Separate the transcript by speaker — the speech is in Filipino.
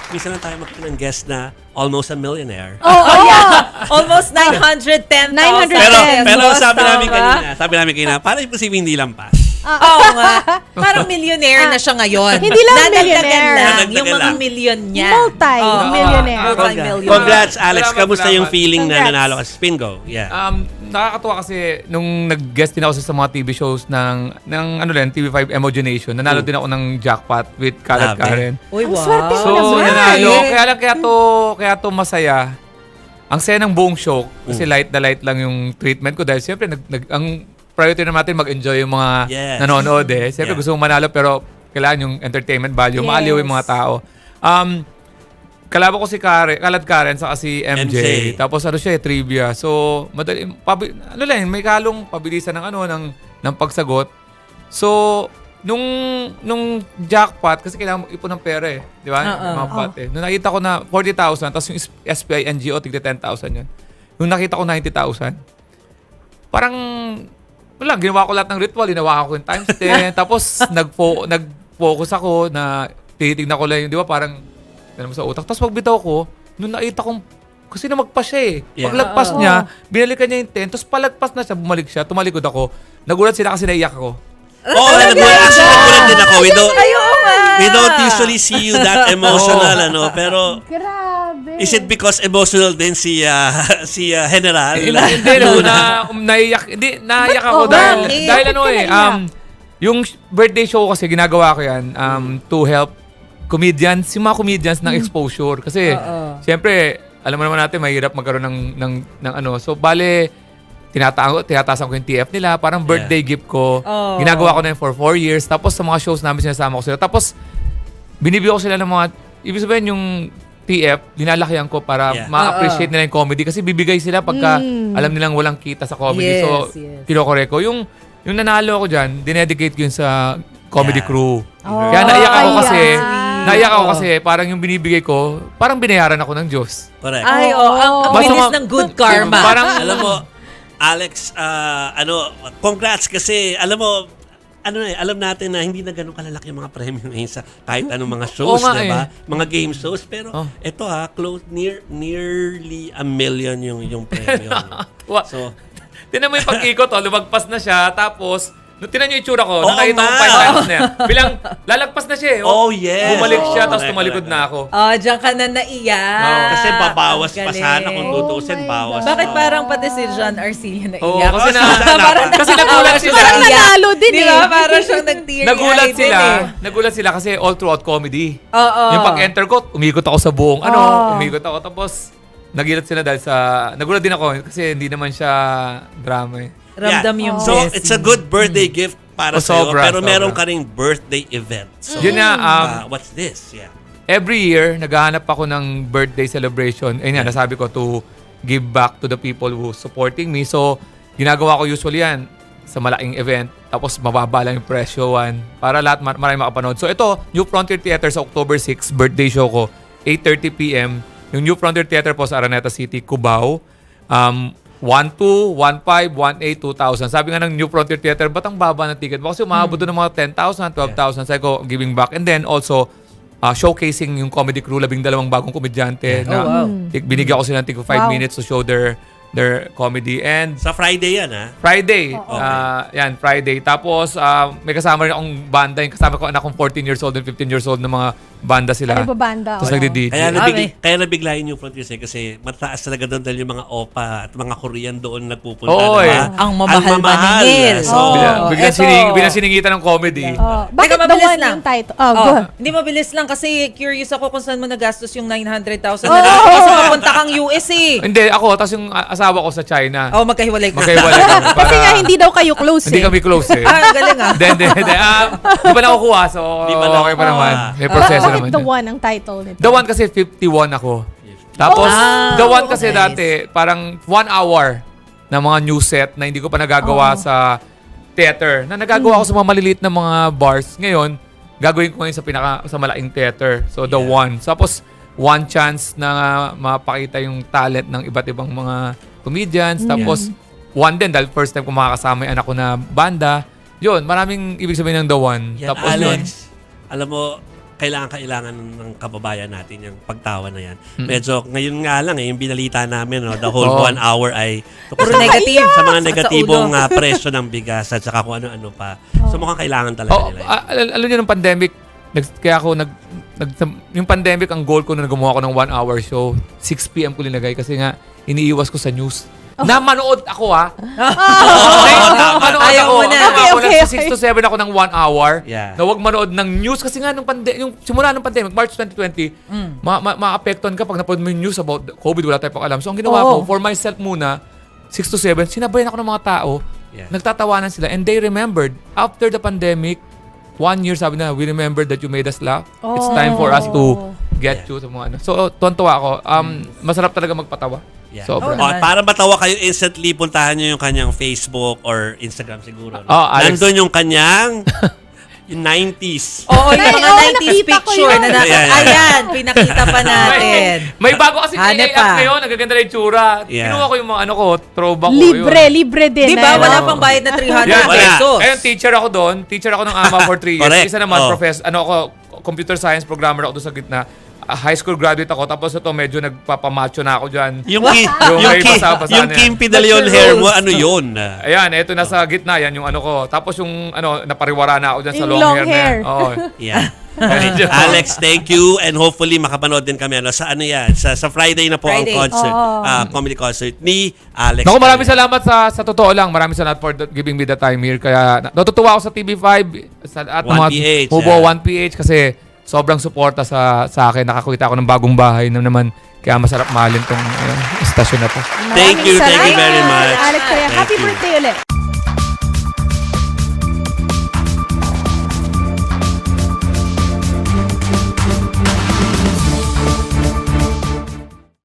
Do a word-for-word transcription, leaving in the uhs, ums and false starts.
Speaker 1: minsan lang tayo magkaroon ng guest na almost a millionaire.
Speaker 2: Oo, oh, yeah.
Speaker 3: Almost nine hundred ten thousand.
Speaker 2: nine hundred
Speaker 1: Pero,
Speaker 2: Yes,
Speaker 1: pero
Speaker 3: pesos,
Speaker 1: sabi namin
Speaker 3: tama?
Speaker 1: kanina, sabi namin kanina, para imposible hindi lampas.
Speaker 3: Oo nga. Parang millionaire na siya ngayon.
Speaker 2: Hindi lang
Speaker 3: Nadagdagan
Speaker 2: millionaire.
Speaker 3: lang.
Speaker 1: Nadagdagan
Speaker 3: Yung mga
Speaker 1: lang.
Speaker 3: million niya.
Speaker 2: Multi-millionaire.
Speaker 3: Oo, multi-millionaire.
Speaker 1: Congrats, Alex.
Speaker 4: Salamat,
Speaker 1: Kamusta yung
Speaker 4: salamat.
Speaker 1: feeling na
Speaker 2: Congrats.
Speaker 1: nanalo ka sa Spingo? Yeah.
Speaker 4: Um, nakakatuwa kasi nung nag-guest din ako sa mga T V shows ng, ng ano rin, T V five Emogenation, nanalo
Speaker 1: Mm.
Speaker 4: din ako ng jackpot with Kalat
Speaker 1: Grabe.
Speaker 4: Karen.
Speaker 3: Uy,
Speaker 2: Ang
Speaker 3: wow.
Speaker 2: swerte mo
Speaker 4: So,
Speaker 2: naman.
Speaker 4: nanalo. Kaya lang, kaya to, kaya to masaya. Ang saya ng buong show, kasi
Speaker 1: Mm.
Speaker 4: light na light lang yung treatment ko dahil siyempre, nag, nag, ang priority naman natin mag-enjoy yung mga
Speaker 1: Yes.
Speaker 4: nanonood eh. Siyempre
Speaker 1: Yeah.
Speaker 4: gusto mong manalo pero kailangan yung entertainment value.
Speaker 2: Yes.
Speaker 4: Maaliw yung mga tao. Um, kalaban ko si Karen, Kalat Karen sa si M J.
Speaker 1: M J.
Speaker 4: Tapos ano siya eh, trivia. So, madali, pabi, ano lang, may kalong pabilisan ng ano, ng, ng pagsagot. So, nung nung jackpot, kasi kailangan mo ipon ng pera eh. Di ba?
Speaker 3: Oo.
Speaker 4: Mga pot eh. Nung nakita ko na forty thousand, tapos yung S P I N G O, tigda ten thousand yun. Nung nakita ko ninety thousand, parang, wala, ginawa ko lahat ng ritual, ginawa ko yung times ten, tapos nag-fo- nag-focus ako na titignan ko lang yung, di ba, parang, ganun mo sa utak. Tapos pagbitaw ko, nung nakita kong, kasi namagpas siya eh.
Speaker 1: Yeah.
Speaker 4: Paglagpas
Speaker 2: Oo.
Speaker 4: niya, binalikan niya yung ten, tapos palagpas na siya, bumalik siya, tumalikod ako. Nagulat sila kasi naiyak ako.
Speaker 1: Oh, nagulat. Actually, nagulat din ako. We don't,
Speaker 3: Ay, oo nga.
Speaker 1: we don't usually see you that emotional, ano. Pero,
Speaker 2: Grabe.
Speaker 1: is it because emotional din si uh, si uh, General?
Speaker 4: Hindi, hindi, no, na, um, naiyak, hindi, naiyak ako
Speaker 2: Oo,
Speaker 4: dahil,
Speaker 3: bakit?
Speaker 4: dahil ano
Speaker 2: Bakit ka
Speaker 4: eh,
Speaker 2: naiyak?
Speaker 4: um, yung birthday show kasi ginagawa ko yan um, to help comedians, yung mga comedians ng exposure. Kasi,
Speaker 3: Oo.
Speaker 4: siyempre, alam mo naman natin, mahirap magkaroon ng, ng, ng ano. So, bale, tinatago, tinatasan ko yung T F nila, parang birthday gift ko.
Speaker 3: Oh.
Speaker 4: Ginagawa ko na yun for four years. Tapos sa mga shows namin, sinasama ko sila. Tapos, binibigyan ko sila ng mga, ibig sabihin yung T F, linalakihan ko para
Speaker 1: Yeah.
Speaker 4: ma-appreciate nila yung comedy. Kasi bibigay sila pagka
Speaker 2: Mm.
Speaker 4: alam nilang walang kita sa
Speaker 3: Yes,
Speaker 4: comedy. so,
Speaker 3: yes.
Speaker 4: kinokore ko. Yung, yung nanalo ko dyan, dinedicate ko yun sa comedy
Speaker 1: Yeah.
Speaker 4: crew.
Speaker 2: Oh,
Speaker 4: Kaya naiyak ako
Speaker 2: kaya.
Speaker 4: kasi, naiyak ako
Speaker 3: Oo.
Speaker 4: kasi parang yung binibigay ko, parong binayaran ako ng Diyos.
Speaker 1: Correct.
Speaker 3: Ay, oh, ang, ang
Speaker 4: Basta
Speaker 3: bilis
Speaker 4: ma-
Speaker 3: ng good karma.
Speaker 4: Parang,
Speaker 1: Alam mo, Alex, ah, ano, congrats kasi, alam mo, ano eh, alam natin na hindi na ganun kalalaki yung mga premyo ngayon sa kahit anong mga shows,
Speaker 4: Oo nga
Speaker 1: di ba?
Speaker 4: eh.
Speaker 1: Mga game shows. Pero
Speaker 4: Oh.
Speaker 1: ito ha, close, near, nearly a million yung, yung premyo.
Speaker 4: Wa-
Speaker 1: So,
Speaker 4: Tinan mo yung pag-ikot, oh, lumagpas na siya, tapos, nung tinan niyo yung itsura ko,
Speaker 1: Oo
Speaker 4: nakita ko
Speaker 1: nga.
Speaker 4: five times na yan. Bilang, lalagpas na siya eh.
Speaker 1: Oh, yes.
Speaker 4: Bumalik siya,
Speaker 1: Oo,
Speaker 4: tapos
Speaker 1: correct,
Speaker 4: tumalikod
Speaker 1: correct.
Speaker 4: na ako.
Speaker 3: Oh, diyan ka na naiyak.
Speaker 4: Oo,
Speaker 1: kasi babawas
Speaker 3: Ang
Speaker 1: pa
Speaker 3: galing.
Speaker 1: sana kung tutusin,
Speaker 2: Oh my
Speaker 1: bawas.
Speaker 2: God.
Speaker 3: Bakit
Speaker 1: pa.
Speaker 3: parang pati si John Arcilla naiyak?
Speaker 4: Oo, kasi na,
Speaker 1: Parang-
Speaker 4: kasi nagulat sila.
Speaker 2: Parang nanalo din
Speaker 3: Di
Speaker 2: eh.
Speaker 3: ba? Parang siyang nag-teary
Speaker 4: Nagulat
Speaker 3: eyed
Speaker 4: sila.
Speaker 3: din eh.
Speaker 4: Nagulat sila kasi all throughout comedy.
Speaker 3: Oo.
Speaker 4: Yung pag-enter ko, umikot ako sa buong ano,
Speaker 2: Oh.
Speaker 4: umikot ako. Tapos, nagilat sila dahil sa, nagulat din ako kasi hindi naman siya drama eh.
Speaker 3: Ramdam
Speaker 1: Yeah.
Speaker 3: yung
Speaker 1: So,
Speaker 3: blessing.
Speaker 1: it's a good birthday gift para
Speaker 4: Oh,
Speaker 1: sa'yo.
Speaker 4: sobra,
Speaker 1: Pero meron
Speaker 4: sobra.
Speaker 1: ka ring birthday event. So,
Speaker 4: Yun nga, um,
Speaker 1: ah, what's this? Yeah.
Speaker 4: every year, naghahanap ako ng birthday celebration. Ayun nga, nasabi ko to give back to the people who supporting me. So, ginagawa ko usually yan sa malaking event. Tapos, mababa lang yung presyo one para lahat mar- marami makapanood. So, ito, New Frontier Theater sa October sixth, birthday show ko, eight thirty p.m. Yung New Frontier Theater po sa Araneta City, Cubao. Um, one two, one five, one eight, two thousand. Sabi nga ng New Frontier Theater, ba't ang baba ng ticket mo? Kasi umabot doon ng mga ten thousand, twelve thousand. Sabi ko, giving back. And then also, uh, showcasing yung comedy crew, labing dalawang bagong komedyante. Na,
Speaker 3: Oh, wow.
Speaker 4: tik- binigyan ko sila ng tig five
Speaker 2: Wow.
Speaker 4: minutes to show their their comedy. And
Speaker 1: Sa Friday yan, ha?
Speaker 4: Friday.
Speaker 1: Okay.
Speaker 4: ah, yan, Friday. Tapos, ah, may kasama rin akong banda. Yung kasama ko anak kong fourteen years old and fifteen years old na mga banda sila.
Speaker 2: Ay, babanda.
Speaker 4: Tapos
Speaker 2: oo.
Speaker 4: nagdi-D J.
Speaker 1: Kaya,
Speaker 3: Okay.
Speaker 1: nabig, kaya nabigla yung New Frontiers eh, kasi mataas talaga doon dahil yung mga opa at mga Korean doon nagpupunta.
Speaker 4: Oo,
Speaker 1: diba?
Speaker 4: eh.
Speaker 3: Ang mamahal maningil.
Speaker 1: So,
Speaker 2: Oo.
Speaker 4: Bigla,
Speaker 3: Oh,
Speaker 4: biglang
Speaker 3: eto.
Speaker 4: sining, biglang siningitan ng comedy.
Speaker 2: Oh, bakit
Speaker 3: Teka,
Speaker 2: the
Speaker 3: mabilis
Speaker 2: one
Speaker 3: lang.
Speaker 2: yung title? Oh,
Speaker 3: Oh,
Speaker 2: go.
Speaker 3: hindi mabilis lang kasi curious ako kung saan mo nagastos yung nine hundred thousand.
Speaker 2: Oh!
Speaker 3: Kasi mapunta kang U S eh.
Speaker 4: Hindi, ako, tapos yung a- asawa ko sa China.
Speaker 3: Oh, magkahiwalay ka.
Speaker 4: Magkaiwalay kami.
Speaker 2: Kasi
Speaker 4: Para-
Speaker 2: nga hindi daw kayo close
Speaker 4: Hindi
Speaker 2: eh.
Speaker 4: kami close eh.
Speaker 3: Ah, ang galing ah.
Speaker 4: Hindi, hindi, hindi. Ah, Di pa nakukuha, so
Speaker 1: Di pa
Speaker 4: okay pa
Speaker 1: nakukuha.
Speaker 4: naman. May
Speaker 2: Ba-
Speaker 4: proseso
Speaker 2: bakit
Speaker 4: naman.
Speaker 2: the
Speaker 4: yun.
Speaker 2: one ang title nito?
Speaker 4: The one kasi fifty-one ako. Tapos,
Speaker 3: Oh,
Speaker 4: the one kasi
Speaker 3: nice.
Speaker 4: dati, parang one hour na mga new set na hindi ko pa nagagawa
Speaker 2: Oh.
Speaker 4: sa theater. Na nagagawa ko sa mga maliliit na mga bars. Ngayon, gagawin ko ngayon sa pinaka sa malaking theater. So, the
Speaker 1: Yeah.
Speaker 4: one. Tapos, one chance na mapakita yung talent ng iba't ibang mga comedians. Tapos, one din, dahil first time ko makakasama yung anak ko na banda. Yun, maraming ibig sabihin ng the one.
Speaker 1: Yan,
Speaker 4: Tapos yun.
Speaker 1: Alex, alam mo, kailangan-kailangan ng kababayan natin yung pagtawa na yan. Medyo, ngayon nga lang, eh, yung binalita namin, no, the whole
Speaker 4: Oo.
Speaker 1: one hour ay
Speaker 3: Puro
Speaker 1: tungkol sa-
Speaker 3: negative.
Speaker 1: sa mga
Speaker 3: Sakit sa
Speaker 1: negatibong
Speaker 3: ulo.
Speaker 1: ah, presyo ng bigas at saka kung ano-ano pa. So mukhang kailangan talaga
Speaker 4: Oh,
Speaker 1: nila. yun.
Speaker 4: ah, al- alam niyo nung pandemic, nag, kaya ako nag, nag yung pandemic ang goal ko na gumawa ko ng one hour show, six p.m. ko linagay kasi nga iniiwas ko sa news. Na manood ako ha. Manood
Speaker 3: Ayaw
Speaker 4: ako.
Speaker 3: mo na.
Speaker 4: Ako,
Speaker 2: Okay,
Speaker 4: ako,
Speaker 2: okay,
Speaker 4: nasa six to seven ako ng one hour.
Speaker 1: Yeah.
Speaker 4: Na wag manood ng news kasi nga nung pande yung simula ng pandemic, March twenty twenty, ma ma maapektuhan ka pag napanood mo yung news about the COVID, wala tayong pakialam. So ang ginawa
Speaker 3: Oo.
Speaker 4: ko, for myself muna, six to seven, sinabayan ako ng mga tao.
Speaker 1: Yeah.
Speaker 4: Nagtatawanan sila and they remembered after the pandemic, one year sabi na, we remember that you made us laugh. It's time for us to get you sa mga ano. So, tuwan-tuwa ako. Um, masarap talaga magpatawa.
Speaker 1: Yeah.
Speaker 4: Sobra.
Speaker 3: Oo
Speaker 1: Oh,
Speaker 3: naman.
Speaker 1: para matawa kayo instantly, puntahan nyo yung kanyang Facebook or Instagram siguro. No?
Speaker 4: Oh, Alex.
Speaker 1: Nandun yung kanyang yung nineties.
Speaker 3: Oo, yung
Speaker 2: Ay,
Speaker 3: mga
Speaker 2: oo,
Speaker 3: nineties
Speaker 2: nakita ko
Speaker 3: picture
Speaker 2: yun.
Speaker 3: na naka-
Speaker 1: Ayan, ayan.
Speaker 3: Ayan, pinakita pa natin.
Speaker 4: May bago kasi A I
Speaker 3: Hanep
Speaker 4: app
Speaker 3: pa.
Speaker 4: ngayon, nagaganda na yung tsura.
Speaker 1: Yeah.
Speaker 4: Kinuha ko yung mga ano ko, throwback ko
Speaker 2: Libre,
Speaker 4: yun.
Speaker 2: libre din.
Speaker 3: Di ba?
Speaker 2: eh,
Speaker 3: Wala
Speaker 2: no?
Speaker 3: pang bayad na three hundred
Speaker 4: Yan,
Speaker 1: Wala.
Speaker 3: pesos.
Speaker 4: Ayun, teacher ako doon. Teacher ako ng AMA for three years.
Speaker 1: Correct.
Speaker 4: Isa naman,
Speaker 1: Oh.
Speaker 4: professor, ano ako, computer science programmer ako doon sa gitna. Ah, high school graduate ako. Tapos ito, medyo nagpapamacho na ako dyan.
Speaker 1: Yung, ki,
Speaker 4: Yung
Speaker 1: yung,
Speaker 4: may
Speaker 1: ki,
Speaker 4: basa-basa
Speaker 1: yung
Speaker 4: na
Speaker 1: Kim
Speaker 4: yan.
Speaker 1: Pidaleon
Speaker 3: Doctor
Speaker 1: hair mo,
Speaker 3: Rose.
Speaker 1: ano yun?
Speaker 4: Ayan, ito nasa gitna yan yung ano ko. Tapos yung ano, napariwara na ako dyan sa
Speaker 2: Yung
Speaker 4: long,
Speaker 2: long
Speaker 4: hair,
Speaker 2: hair.
Speaker 4: na yan. Oo.
Speaker 1: Yeah. Okay. Alex, thank you and hopefully makapanood din kami ano sa ano yan sa sa Friday na po
Speaker 3: Friday.
Speaker 1: ang concert,
Speaker 2: Oo.
Speaker 1: ah, comedy concert ni Alex.
Speaker 4: Naku, maraming salamat sa sa totoo lang. Maraming salamat for the- giving me the time here. Kaya na- natutuwa ako sa T V five sa, at
Speaker 1: one
Speaker 4: mga
Speaker 1: P H,
Speaker 4: Mubo
Speaker 1: yeah.
Speaker 4: one P H kasi sobrang suporta sa sa akin. Nakakita ako ng bagong bahay na naman. Kaya masarap mahalin tong uh, stasyon na to.
Speaker 1: Thank you, thank you
Speaker 2: Maraming
Speaker 1: very
Speaker 2: salamat,
Speaker 1: much.
Speaker 2: Alex, kaya
Speaker 1: Thank
Speaker 2: happy
Speaker 1: you.
Speaker 2: birthday ulit.